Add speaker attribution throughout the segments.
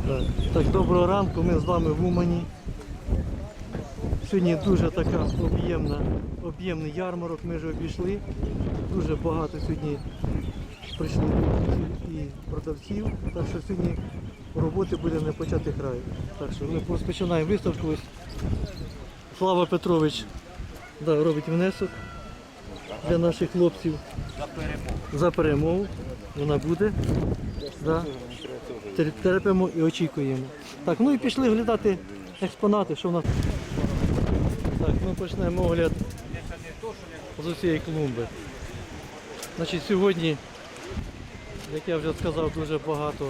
Speaker 1: Так, доброго ранку, ми з вами в Умані. Сьогодні дуже така об'ємний ярмарок, ми вже обійшли. Дуже багато сьогодні прийшло і продавців, так що сьогодні роботи буде не почати краю. Так що ми розпочинаємо виставку. Ось Слава Петрович робить внесок для наших хлопців. За перемогу. Вона буде. Терпимо і очікуємо. Так, ну і пішли оглядати експонати, що в нас. Так, ми почнемо огляд з усієї клумби. Значить, сьогодні, як я вже сказав, дуже багато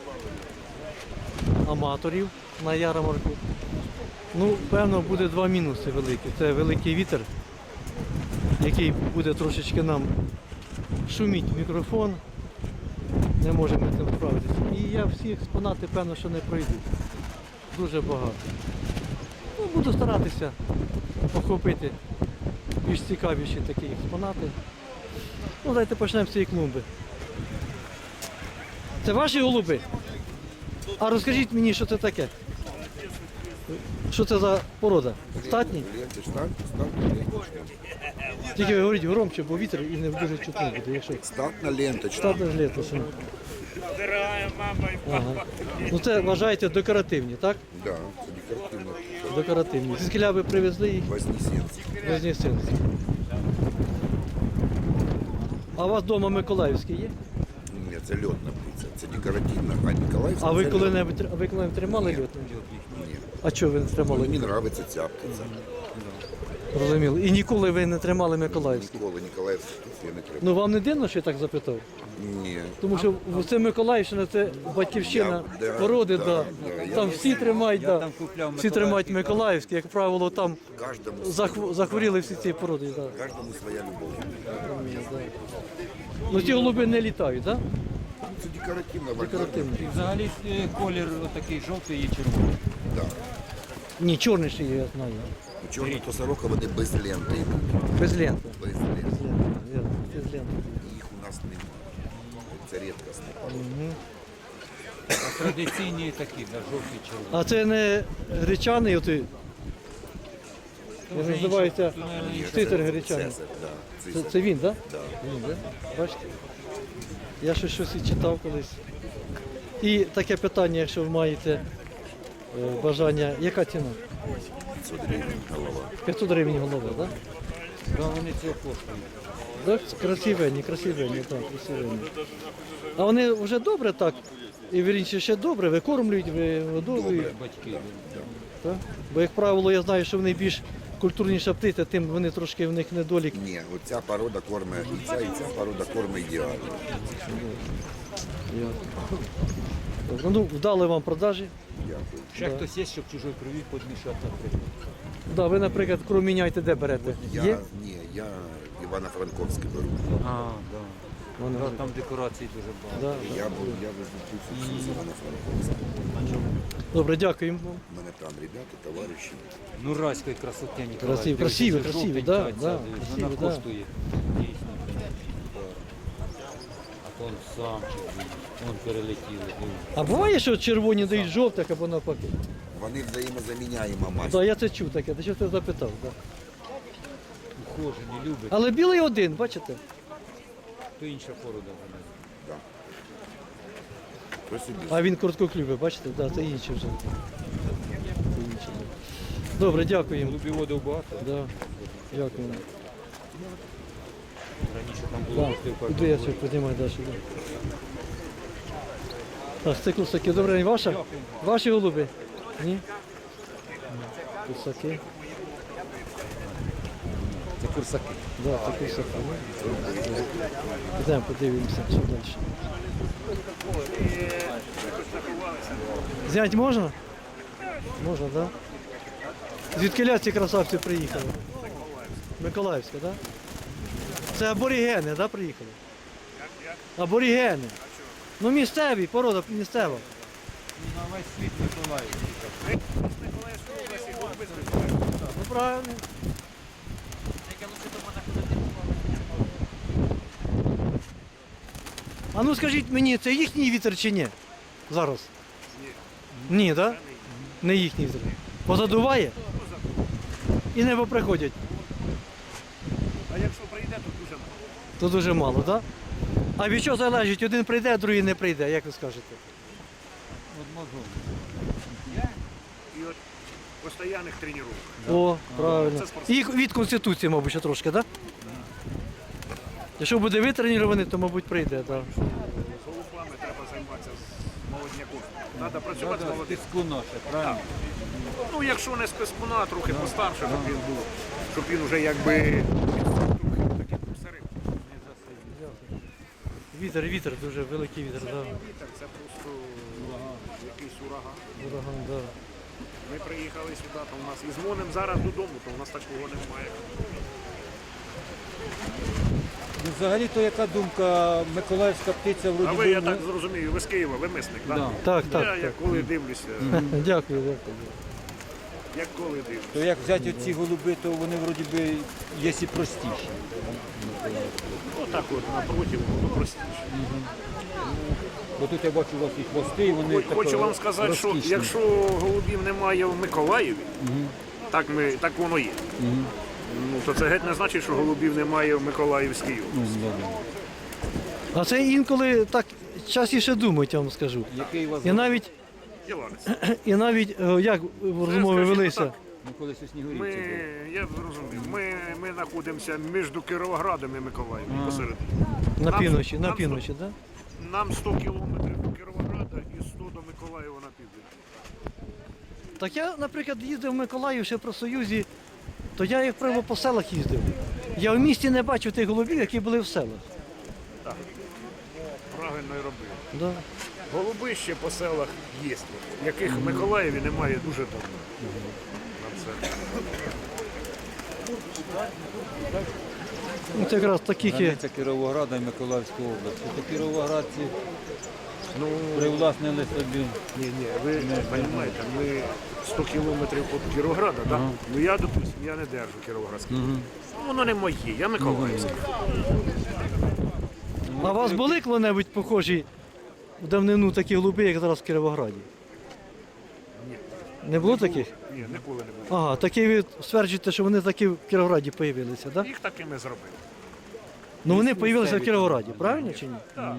Speaker 1: аматорів на ярмарку. Ну, певно, буде два мінуси великі. Це великий вітер, який буде трошечки нам шуміти в мікрофон. Не можемо з цим справитися. І я всі експонати, певно, що не пройду. Дуже багато. Ну, буду старатися охопити більш цікавіші такі експонати. Ну, давайте почнемо з цієї клумби. Це ваші голуби? А розкажіть мені, що це таке? Що це за порода? Статні? Тільки ви говоріть громче, бо вітер і не дуже чутно буде. Якщо...
Speaker 2: Статна ленточка.
Speaker 1: Статна ленточка. Ага. Ну це вважаєте декоративні, так?
Speaker 2: Так, да, це декоративно.
Speaker 1: Декоративні. Звідкіля ви привезли їх?
Speaker 2: Вознесенськ.
Speaker 1: Вознесенськ. А у вас вдома Миколаївський є?
Speaker 2: Ні, це льотна птиця, це декоративна, а Миколаївська.
Speaker 1: А ви
Speaker 2: це
Speaker 1: коли-небудь тримали льотну?
Speaker 2: Ні.
Speaker 1: А чого ви не тримали?
Speaker 2: Мені подобається ця птиця.
Speaker 1: Розуміло. І ніколи ви не тримали Миколаївський?
Speaker 2: Ніколи Ніколаївську птицю я не тримав.
Speaker 1: Ну вам не дивно, що я так запитав?
Speaker 2: Ні.
Speaker 1: Тому що це Миколаївщина, це батьківщина породи, там всі тримають, всі тримають Миколаївський, як правило, там захворіли всі ці породи.
Speaker 2: Кожному своя любов.
Speaker 1: Ну ці голуби не літають, так?
Speaker 2: Це декоративна
Speaker 1: Декоративні.
Speaker 3: І взагалі колір такий жовтий і червоний.
Speaker 2: Да.
Speaker 1: Ні, чорний ще є, я знаю.
Speaker 2: Чорні то сорока, вони без ленти йдуть.
Speaker 1: Без ленти.
Speaker 2: Без ленти.
Speaker 1: Без ленти.
Speaker 2: Їх у нас немає. Це рідкісна порода.
Speaker 3: А традиційні такі, да, жовтий червоний.
Speaker 1: А це не гречаний, отой, він називається титр гречаний.
Speaker 2: Цезарь, да.
Speaker 1: Це він, так?
Speaker 2: Да.
Speaker 1: Він, да? Бачите? Я щось і читав колись. І таке питання, якщо ви маєте бажання, яка ціна?
Speaker 2: 500 гривень голова.
Speaker 1: 500 гривень голова, так?
Speaker 3: Да, вони цього коштують.
Speaker 1: Так? Красивенні, так, красивенні. А вони вже добре так, і вірніше ще добре, викормлюють, вигодовують.
Speaker 3: Батьки.
Speaker 1: Так? Бо, як правило, я знаю, що вони більш культурніша птиця, тим вони трошки в них недолік.
Speaker 2: Ні, оця порода кормить і ця порода кормить ідеально.
Speaker 1: Добре, ну, вдали вам продажі.
Speaker 2: Дякую.
Speaker 3: Ще хтось є, щоб чужої крові підмішати, наприклад.
Speaker 1: Да, ви, наприклад, кров міняєте, де берете? Є?
Speaker 2: Я Івано-Франковський беру.
Speaker 3: А, да.
Speaker 1: Вони
Speaker 3: Да, там декорацій дуже багато.
Speaker 1: Да.
Speaker 2: Я везу птицю з Івано-Франковська.
Speaker 1: Добре, дякуємо вам.
Speaker 2: У мене там ребята, товариші.
Speaker 3: Ну, райської красоти Ніколай.
Speaker 1: Красиві,
Speaker 3: Дивись,
Speaker 1: красиві,
Speaker 3: це
Speaker 1: красиві,
Speaker 3: жовтенька
Speaker 1: да,
Speaker 3: ця,
Speaker 1: да,
Speaker 3: дивись,
Speaker 1: красиві,
Speaker 3: вона
Speaker 1: да.
Speaker 3: коштує. Дійсно. А то он самчик, вон перелетіли. дивись.
Speaker 1: А буває, що червоні дають жовтих або навпаки?
Speaker 2: Вони взаємозаміняємо мать.
Speaker 1: Так, я це чув таке, ти що ти запитав. Да.
Speaker 3: Ухожені, любить.
Speaker 1: Але білий один, бачите?
Speaker 3: То інша порода вона.
Speaker 2: Да. Ось собі.
Speaker 1: А він короткоклювий, бачите? Да, це інші вже. Це інші, да. Добре, дякуємо.
Speaker 3: Голубіводів багато.
Speaker 1: Да. Дякуємо.
Speaker 3: Раніше там було
Speaker 1: Да. Іду я ще піднімаю далі. Да. Так, це курсаки. Добрий день, ваша? Ваші голуби? Ні? Курсаки.
Speaker 3: Це курсаки.
Speaker 1: Да, це курсаки. Йдемо, подивимося, що далі. Зняти можна? Можна, так? Да? Звідки ці красавці приїхали? Миколаївська, так? Да? Це аборігени, так, да, приїхали? Аборігени. Ну місцеві, порода місцева.
Speaker 3: На весь світ Миколаївський.
Speaker 1: Ну правильно. А ну скажіть мені, це їхній вітер чи ні? Зараз? Ні, так? Да? Не їхній вітер. Позадуває і не поприходять.
Speaker 4: А якщо прийде, то дуже мало.
Speaker 1: То дуже мало, так? Да? А від чого залежить? Один прийде, другий не прийде, як ви скажете?
Speaker 4: І от постійних тренувань.
Speaker 1: О, правильно.
Speaker 4: Це спортсмен.
Speaker 1: І від Конституції, мабуть, ще трошки, так? Да? Якщо буде витренірований, то, мабуть, прийде, так. Да.
Speaker 4: З голубами треба займатися з молодняком. Треба працювати з молодим.
Speaker 3: Тиску наше, правильно?
Speaker 4: Ну, якщо не з пискуна, а трохи постарше, щоб він був, щоб він вже якби трохи такий посередній.
Speaker 1: Вітер, дуже великий вітер, так. Да.
Speaker 4: Вітер це просто якийсь ураган.
Speaker 1: Ураган, да.
Speaker 4: Ми приїхали сюди, то у нас і дзвонимо зараз додому, то у нас такого немає.
Speaker 3: Ну, взагалі-то яка думка, миколаївська птиця вроді
Speaker 4: А
Speaker 3: би,
Speaker 4: ви, я
Speaker 3: ну,
Speaker 4: так зрозумію, ви з Києва, ви мисник, так?
Speaker 3: Да.
Speaker 1: Так,
Speaker 4: Я
Speaker 1: так.
Speaker 4: як коли дивлюся,
Speaker 1: Дякую, дякую.
Speaker 4: як коли дивлюся.
Speaker 3: то як взяти оці голуби, то вони вроді би є і простіші.
Speaker 4: Отак от напротив, воно простіше.
Speaker 3: Бо тут я бачу у вас і хвости, і вони
Speaker 4: Хочу
Speaker 3: тако
Speaker 4: вам сказати, що
Speaker 3: розкішні.
Speaker 4: якщо голубів немає в Миколаєві, так воно є. Ну, то це геть не значить, що голубів немає в Миколаївській області.
Speaker 1: А це інколи так частіше думають, я вам скажу.
Speaker 3: Який у вас
Speaker 1: І навіть як розмови
Speaker 4: скажімо
Speaker 1: велися.
Speaker 4: так.
Speaker 3: ми колись у Снігурівці були.
Speaker 4: Я зрозумів, ми знаходимося між Кіровоградом і Миколаєвом посередині.
Speaker 1: На
Speaker 4: Нам-
Speaker 1: півночі,
Speaker 4: нам
Speaker 1: так?
Speaker 4: Нам 100 кілометрів до Кіровограда і 100 до Миколаєва на південь.
Speaker 1: Так я, наприклад, їздив в Миколаїв ще про Союзі, то я, як правило, по селах їздив. Я в місті не бачив тих голубів, які були в селах.
Speaker 4: Правильно і робив.
Speaker 1: Да.
Speaker 4: Голуби ще по селах є, яких в Миколаєві немає дуже давно. На це.
Speaker 1: Ну, це якраз таких є.
Speaker 3: Границя Кіровограда і Миколаївської області. То кіровоградці
Speaker 4: Ну,
Speaker 3: привласнили собі.
Speaker 4: ні, ви розумієте, ми 100 кілометрів від Кіровограда, так? Ну я, допустим, я не держу Кіровоградське. Воно не моє, я Миколаївське.
Speaker 1: А у вас були коли-небудь похожі в давнину такі голуби, як зараз в Кіровограді?
Speaker 4: Ні.
Speaker 1: Не було таких?
Speaker 4: Ні, ніколи не було.
Speaker 1: Ага, такі ви стверджуєте, що вони такі в Кіровограді з'явилися, так?
Speaker 4: Їх такими зробили.
Speaker 1: Ну вони з'явилися в Кіровограді, правильно чи ні?
Speaker 4: Так.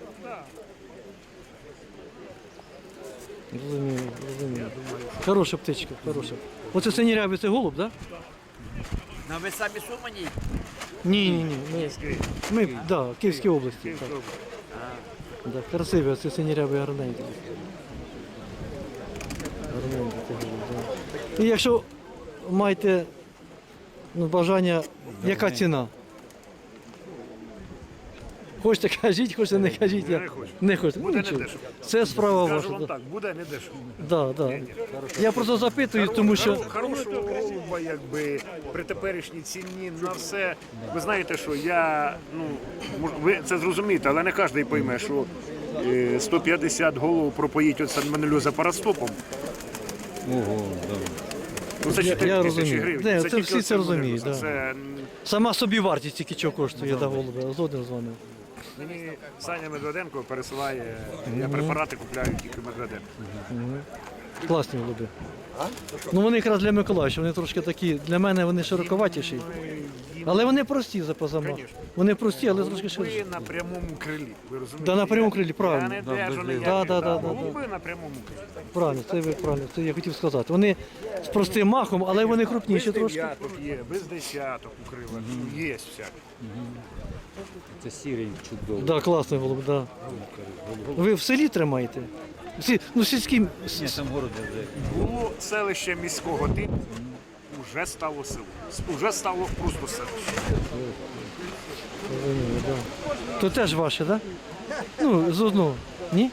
Speaker 1: Розумію. Хороша птичка, хороша. Оце синірявий, це голуб, так?
Speaker 5: Ну, ви самі сумані?
Speaker 1: Ні. Ми да, в Київській області.
Speaker 4: Київська
Speaker 1: Так.
Speaker 4: область.
Speaker 1: Да, красивий, оце синірявий гарненький. Гарненький це голуб, да. І якщо маєте бажання, яка ціна? Хочете кажіть, хочете не кажіть.
Speaker 4: Не хочу.
Speaker 1: Не хочете.
Speaker 4: Буде
Speaker 1: нічого.
Speaker 4: недешево.
Speaker 1: Це справа
Speaker 4: Кажу
Speaker 1: ваша.
Speaker 4: вам
Speaker 1: Да.
Speaker 4: так, буде не дешево.
Speaker 1: Да. Я просто запитую, тому що
Speaker 4: Хорошого голуба, якби при теперішній ціні на все. Ви знаєте, що я, ви це зрозумієте, але не кожен пойме, що 150 голов пропоїть от сальмонельоза парастопом.
Speaker 3: Ого, да.
Speaker 4: Ну це 4
Speaker 1: я
Speaker 4: тисячі
Speaker 1: розумію.
Speaker 4: гривень.
Speaker 1: Не, це
Speaker 4: тільки
Speaker 1: всі
Speaker 4: от
Speaker 1: це розуміють,
Speaker 4: сальмонельоза.
Speaker 1: да.
Speaker 4: Це
Speaker 1: сама собівартість тільки чого коштує да, голуба. Згоден з вами.
Speaker 4: мені Саня Медведенко пересилає, я препарати купляю тільки Медведенко.
Speaker 1: Класні голуби. Ну вони якраз для Миколаївщини, вони трошки такі, для мене вони широковатіші. Але вони прості за позамах.
Speaker 4: Конечно.
Speaker 1: Вони прості, але трошки ширші.
Speaker 4: Ви на прямому крилі, ви розумієте?
Speaker 1: Да, на прямому крилі, правильно.
Speaker 4: Я не держу ніяких.
Speaker 1: Да.
Speaker 4: Голуби на прямому крилі.
Speaker 1: Правильно, це ви правильно, це я хотів сказати. Вони з простим махом, але вони крупніші
Speaker 4: Без
Speaker 1: трошки.
Speaker 4: дев'яток є, без десяток у крилах. Є всяке.
Speaker 3: Це сірий чудовий.
Speaker 1: Да, класний голуб, да. Ви в селі тримаєте? Сільські.
Speaker 3: Ні, там город вже.
Speaker 4: Було селище міського типу, вже стало село. Уже стало просто селище.
Speaker 1: Да. То теж ваше, так? Да? Ну, з одного. Ні?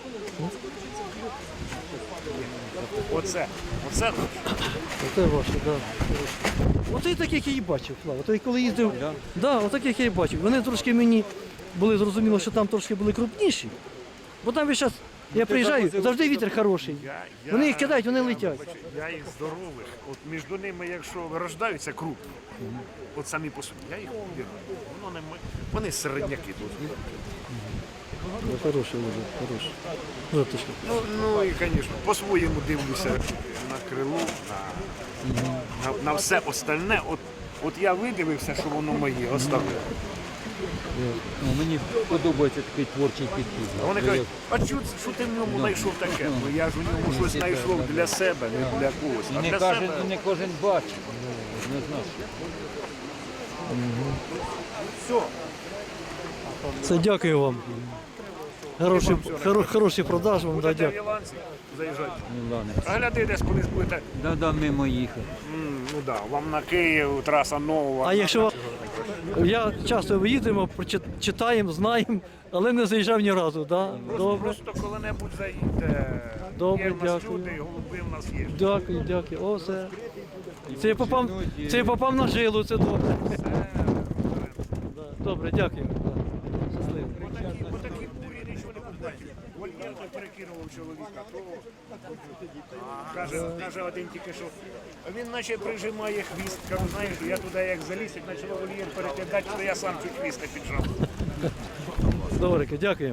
Speaker 4: Оце наше.
Speaker 1: Це ваше, так. Да. Оце таких я і бачив, Слава. Ото коли їздив, да, отаких я і бачив. Вони трошки мені були зрозуміло, що там трошки були крупніші. Бо там весь час я приїжджаю, завжди вітер хороший. Вони їх кидають, вони летять.
Speaker 4: Я їх здорових. От між ними, якщо вирождаються крупні, от самі по собі, я їх убираю. Вони середняки тут.
Speaker 1: Хороший голубок, хороший. Жовточка.
Speaker 4: Ну і, звісно, по-своєму дивлюся на крило, на все остальне. От я видивився, що воно моє, оставив.
Speaker 3: Ну, мені подобається такий творчий підхід.
Speaker 4: А вони кажуть, а що ти в ньому знайшов таке? Ну я ж у ньому щось знайшов для себе, не для когось. А
Speaker 3: І
Speaker 4: для
Speaker 3: не
Speaker 4: себе
Speaker 3: кожен бачить. Не знаю.
Speaker 4: все.
Speaker 1: Це дякую вам. Хороший продаж вам, да,
Speaker 4: Будете в
Speaker 1: дякую.
Speaker 4: Іланці, заїжджайте.
Speaker 3: Ну, ладно.
Speaker 4: А глядите, десь колись будете.
Speaker 3: Да, мимо їхати.
Speaker 4: Ну да, вам на Київ, траса нова.
Speaker 1: А якщо я часто їдемо, читаємо, знаємо, але не заїжджав ні разу, да? Добре.
Speaker 4: Просто коли-небудь заїдьте.
Speaker 1: Добре,
Speaker 4: Є в нас
Speaker 1: дякую.
Speaker 4: люди, голуби в нас є.
Speaker 1: Дякую. О, все. Це я попав на жилу, це добре. Да, добре, дякую. Да. Щасливо.
Speaker 4: Отакі бурі нічого не купляють. Вольєр той перекинував чоловіка, то каже один тільки що. Він наче прижимає хвіст. Кажу, знаєш, я туди як заліз, як почав вольєр перекидати, то я сам чуть хвіст не піджав.
Speaker 1: Добре, дякуємо.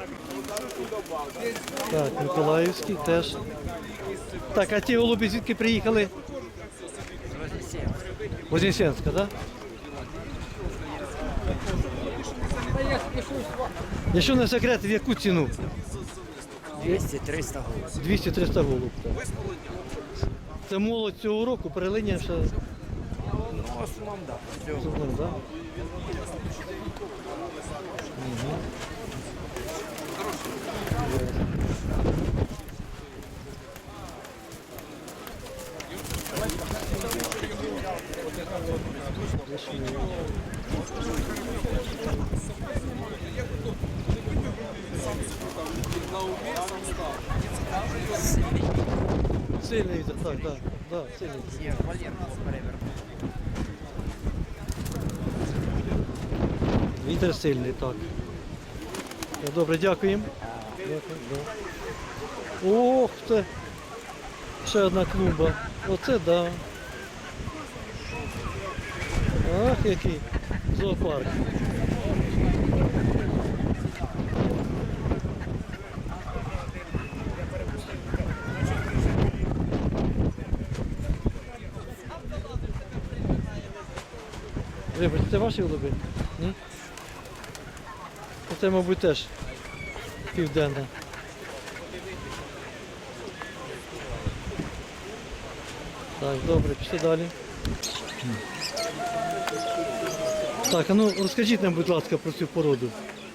Speaker 1: Так, Миколаївський теж. Так, а ті голуби звідки приїхали? Вознесенська, так? Да? Якщо не секрет, в яку ціну?
Speaker 5: 200-300 голов.
Speaker 1: 200-300 голуб. Так. Це молодь цього року, перелиння ще.
Speaker 5: Ну, в основному, так. Да.
Speaker 1: Да? Сильний вітер, так, сильний.
Speaker 5: Є вольєр у нас перевернув.
Speaker 1: Вітер сильний, так. Добре, дякуємо. Ох, це ще одна клумба. Оце да. Ах, який зоопарк. Вибачте, це ваші голуби? Ні? Це, мабуть, теж південна. Так, добре, пішли далі. Так, а ну розкажіть нам, будь ласка, про цю породу.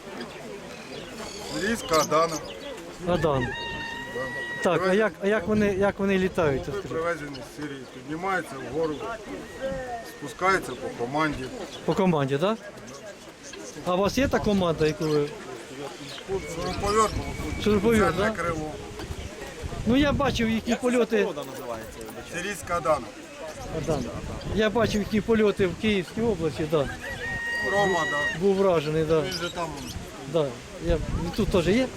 Speaker 6: Ліска, Адана.
Speaker 1: Адан. Так, а як вони літають? Розкажіть?
Speaker 6: Привезені з Сирії. Піднімаються вгору, спускаються по команді.
Speaker 1: По команді, так? А у вас є та команда, яку ви...
Speaker 6: Шуруповерт,
Speaker 1: Шуруповерт,
Speaker 6: центре
Speaker 1: так?
Speaker 6: криво.
Speaker 1: Ну я бачив їхні польоти.
Speaker 6: Сирійська Адана.
Speaker 1: Адан. Я бачив їхні польоти в Київській області, так. Да.
Speaker 6: Рома, да.
Speaker 1: Був вражений, так.
Speaker 6: Він же там.
Speaker 1: Да. Тут теж є?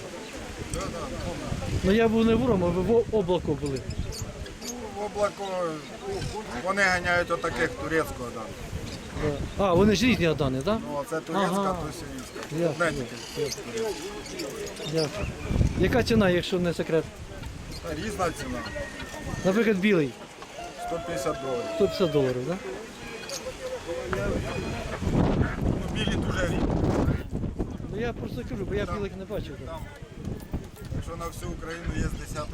Speaker 1: Ну я був не в Рому, ви в облаку були.
Speaker 6: В облако вони ганяють отаких турецького Адана.
Speaker 1: Да. А, вони ж різні Адани, так?
Speaker 6: Ну, а це турецька,
Speaker 1: Ага.
Speaker 6: то сирійська.
Speaker 1: Ясно,
Speaker 6: Одне тільки.
Speaker 1: Дякую. Яка ціна, якщо не секрет?
Speaker 6: Та різна ціна.
Speaker 1: Наприклад, білий.
Speaker 6: 150 доларів.
Speaker 1: 150 доларів, так?
Speaker 6: Ну, білі дуже рідкі.
Speaker 1: Ну я просто кажу, бо я білих не бачив. Так.
Speaker 6: Якщо на всю Україну є з десяток.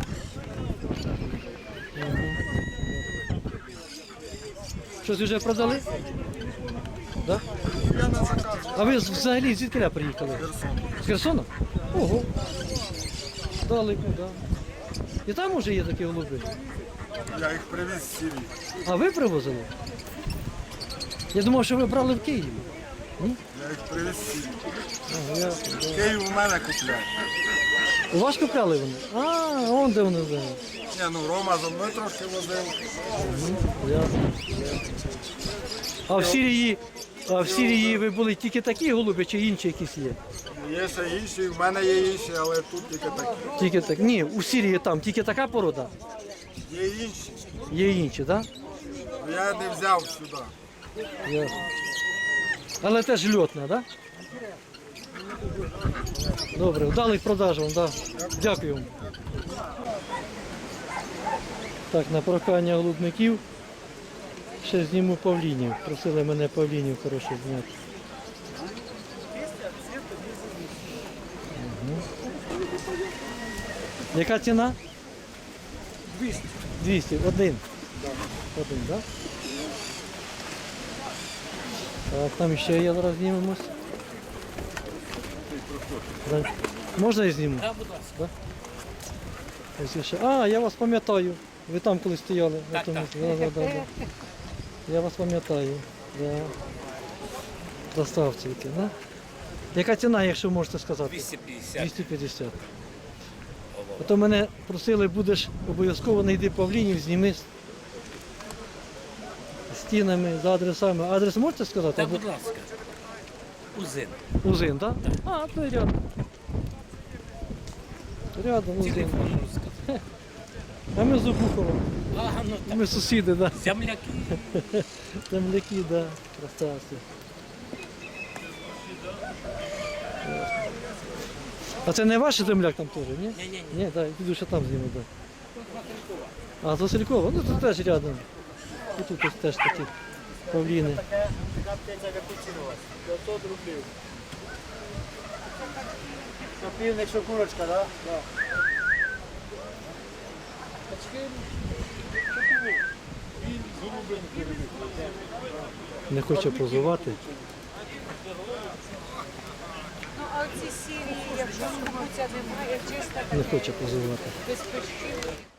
Speaker 1: Щось вже продали? Да?
Speaker 6: Я на заказ.
Speaker 1: А ви взагалі звідки приїхали?
Speaker 6: Херсон.
Speaker 1: З Херсона? Ого. Далеко, так. Да. І там уже є такі голуби.
Speaker 6: Я їх привіз з Сирії.
Speaker 1: А ви привозили? Я думав, що ви брали в Києві.
Speaker 6: Я їх привіз з Сирії.
Speaker 1: Ага, ясно, да.
Speaker 6: Київ у мене купляє.
Speaker 1: У вас купляли вони? А, вон де вони зараз.
Speaker 6: Ні, ну Рома за мною трошки возив.
Speaker 1: Ясно. А в Сирії ви були тільки такі голуби чи інші якісь є?
Speaker 6: Є ще інші, в мене є інші, але тут тільки такі.
Speaker 1: Тільки так. Ні, у Сирії там тільки така порода.
Speaker 6: Є інші.
Speaker 1: Є інші, так?
Speaker 6: Ну, я не взяв сюди.
Speaker 1: Ясно. Але теж льотна, так? Добре, вдалих продаж вам, да. Дякую вам. Так, на прохання голубників ще зніму павлінів. Просили мене павлінів хороше зняти. Угу. Яка ціна? 200. 200, один. Один, так? Так, там ще є, зараз знімемось. Да. Можна я зніму? Так, будь ласка. Да? Ось ще. А, я вас пам'ятаю. Ви там коли стояли. Так, так. Да. Я вас пам'ятаю. Да. Доставці які, да? Яка ціна, якщо можете сказати?
Speaker 5: 250.
Speaker 1: 250. А то мене просили, будеш обов'язково знайти павлінів, зніми з стінами, за адресами. Адрес можете сказати?
Speaker 5: Так, будь ласка. Узин.
Speaker 1: Узин, так? А, то й рядом. Рядом Узин.
Speaker 5: Телефон можу сказати.
Speaker 1: А ми з Обухова.
Speaker 5: Ага, ну так.
Speaker 1: Ми сусіди, так.
Speaker 5: Земляки.
Speaker 1: Земляки, так. Да. Красавці. А це не ваш земляк там теж, ні?
Speaker 5: Ні-ні-ні.
Speaker 1: Ні, так, піду ще там зніму, так. А, з Василькова? Ну, тут теж рядом. І тут ось теж такі павліни.
Speaker 7: Півник, що курочка, так? Да?
Speaker 1: Не хоче позувати.
Speaker 8: Ну, а ці сірі, якщо скупуться немає, чиста
Speaker 1: Не хоче позувати.
Speaker 8: без пищів.